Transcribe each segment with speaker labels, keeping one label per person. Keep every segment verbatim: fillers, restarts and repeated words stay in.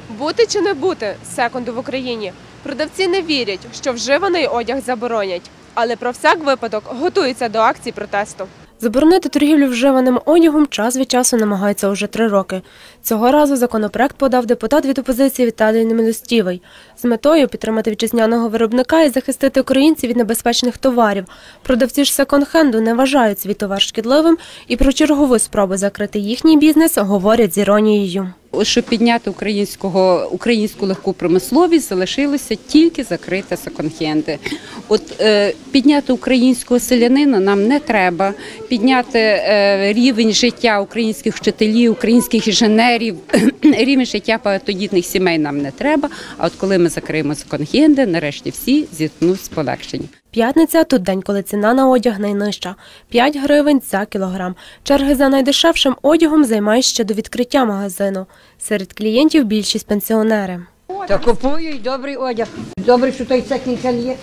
Speaker 1: Бути чи не бути секонду в Україні? Продавці не вірять, що вживаний одяг заборонять, але про всяк випадок готуються до акцій протесту. Заборонити торгівлю вживаним одягом час від часу намагаються уже три роки. Цього разу законопроект подав депутат від опозиції Віталій Немилостівий з метою підтримати вітчизняного виробника і захистити українців від небезпечних товарів. Продавці ж секонд-хенду не вважають свій товар шкідливим і про чергову спробу закрити їхній бізнес говорять з іронією.
Speaker 2: Щоб підняти українського, українську легку промисловість, залишилося тільки закрити секонд-хенди. От е, підняти українського селянина нам не треба, підняти е, рівень життя українських вчителів, українських інженерів, рівень життя багатодітних сімей нам не треба, а от коли ми закриємо секонд-хенди, нарешті всі зіткнуть з полегшенням.
Speaker 1: П'ятниця – тут день, коли ціна на одяг найнижча – п'ять гривень за кілограм. Черги за найдешевшим одягом займають ще до відкриття магазину. Серед клієнтів більшість пенсіонери.
Speaker 3: Та купують добрий одяг. Добре, що той секонд-хенд є.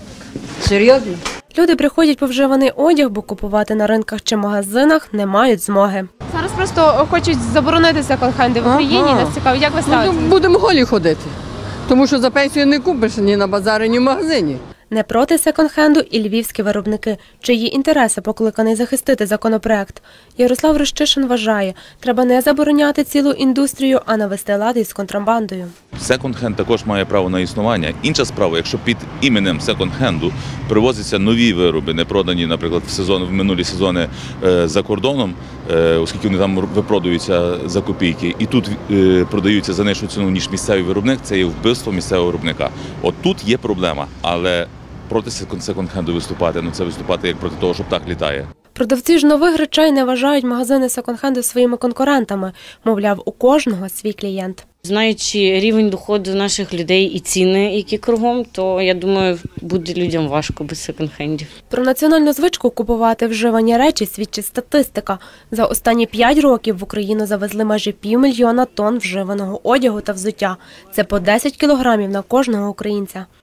Speaker 3: Серйозно?
Speaker 1: Люди приходять по вживаний одяг, бо купувати на ринках чи магазинах не мають змоги. Зараз просто хочуть заборонити секонд-хенди в Україні. Ага. Нас цікаво, як ви ставитесь?
Speaker 4: Ну, будемо голі ходити, тому що за пенсію не купиш ні на базарі, ні в магазині.
Speaker 1: Не проти секонд-хенду і львівські виробники, чиї інтереси покликаний захистити законопроект. Ярослав Рощишин вважає, треба не забороняти цілу індустрію, а навести лад із контрабандою.
Speaker 5: Секонд-хенд також має право на існування. Інша справа, якщо під іменем секонд-хенду привозяться нові вироби, не продані, наприклад, в сезон, в минулі сезони е, за кордоном, е, оскільки вони там випродуються за копійки, і тут е, продаються за нижчу ціну, ніж місцевий виробник, це є вбивство місцевого виробника. От тут є проблема, але проти секонд-хенду виступати, ну це виступати як проти того, що птах літає.
Speaker 1: Продавці ж нових речей не вважають магазини секонд-хенду своїми конкурентами. Мовляв, у кожного свій клієнт.
Speaker 6: Знаючи рівень доходу наших людей і ціни, які кругом, то, я думаю, буде людям важко без секонд-хендів.
Speaker 1: Про національну звичку купувати вживані речі свідчить статистика. За останні п'ять років в Україну завезли майже півмільйона тонн вживаного одягу та взуття. Це по десять кілограмів на кожного українця.